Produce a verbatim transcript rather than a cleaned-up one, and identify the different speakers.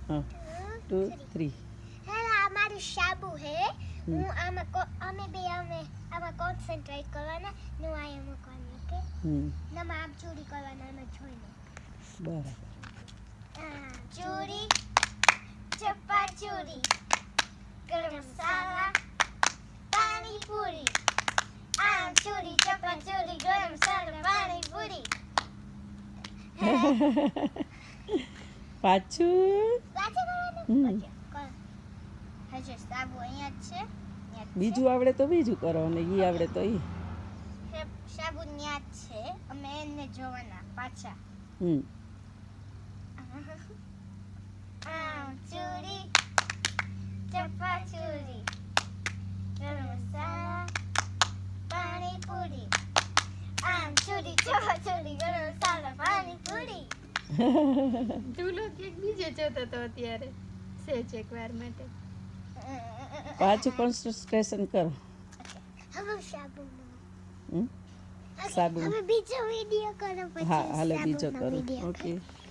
Speaker 1: हाँ to three
Speaker 2: hello આ મારું સાબુ હે હું આમાં કો- અમે બે અમે આમાં કોન્સન્ટ્રેટ કરવાના ને હું અહીંયા મૂકવાની ઓકે
Speaker 1: હમ
Speaker 2: નમાં આમ ચોરી કરવાના અમે જોઈને
Speaker 1: બરાબર
Speaker 2: આ ચોરી ચપ્પા ચોરી ગરમ મસાલા પાણી પૂરી આમ ચોરી ચપ્પા ચોરી ગરમ મસાલા પાણી પૂરી
Speaker 1: પાછું
Speaker 2: સાચું કરવાનું
Speaker 1: હમ.
Speaker 2: ઓકે કર હજુ સાબુ અહીંયા જ છે અહીંયા જ છે.
Speaker 1: બીજું આવડે તો બીજું કરો અને ઈ આવડે તો ઈ
Speaker 2: હે- સાબુ ન્યા જ છે અમે એને જોવાના પાછા
Speaker 1: હમ
Speaker 2: આમ ચોરી ચપ્પા ચોરી ગરમ મસાલા પાણી પૂરી આમ ચોરી ચપ્પા ચોરી ગરમ મસાલા પાણી પૂરી
Speaker 3: તું લોકો એક બીજે જોતો તો અત્યારે સેજ એક વાર માટે
Speaker 1: પાછું કોન્સન્ટ્રેશન કરો
Speaker 2: હવે સાબુ
Speaker 1: હમ સાબુ
Speaker 2: હવે બીજો વિડિયો કરો પછી
Speaker 1: હા હાલે
Speaker 2: સાબુનો
Speaker 1: બીજો કરો
Speaker 2: વિડિયો
Speaker 1: ઓકે